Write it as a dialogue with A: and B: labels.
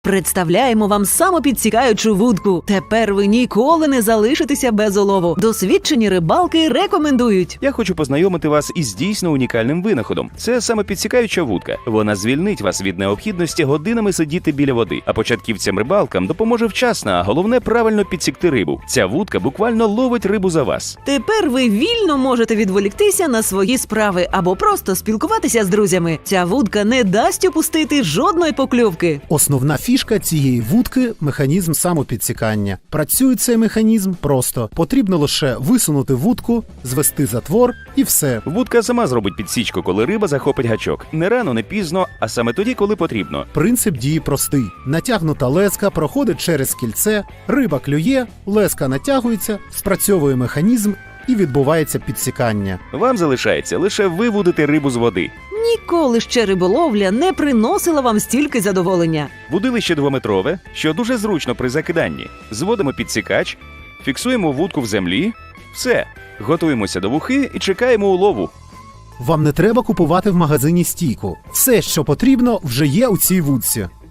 A: Представляємо вам самопідсікаючу вудку. Тепер ви ніколи не залишитеся без улову. Досвідчені рибалки рекомендують.
B: Я хочу познайомити вас із дійсно унікальним винаходом. Це самопідсікаюча вудка. Вона звільнить вас від необхідності годинами сидіти біля води, а початківцям-рибалкам допоможе вчасно, а головне правильно підсікти рибу. Ця вудка буквально ловить рибу за вас.
A: Тепер ви вільно можете відволіктися на свої справи або просто спілкуватися з друзями. Ця вудка не дасть упустити жодної покльовки.
C: Основна фішка цієї вудки – механізм самопідсікання. Працює цей механізм просто. Потрібно лише висунути вудку, звести затвор і все.
B: Вудка сама зробить підсічку, коли риба захопить гачок. Не рано, не пізно, а саме тоді, коли потрібно.
C: Принцип дії простий. Натягнута леска проходить через кільце, риба клює, леска натягується, спрацьовує механізм і відбувається підсікання.
B: Вам залишається лише вивудити рибу з води.
A: Ніколи ще риболовля не приносила вам стільки задоволення.
B: Вудилище 2-метрове, що дуже зручно при закиданні. Зводимо підсікач, фіксуємо вудку в землі. Все. Готуємося до вухи і чекаємо улову.
C: Вам не треба купувати в магазині стійку. Все, що потрібно, вже є у цій вудці.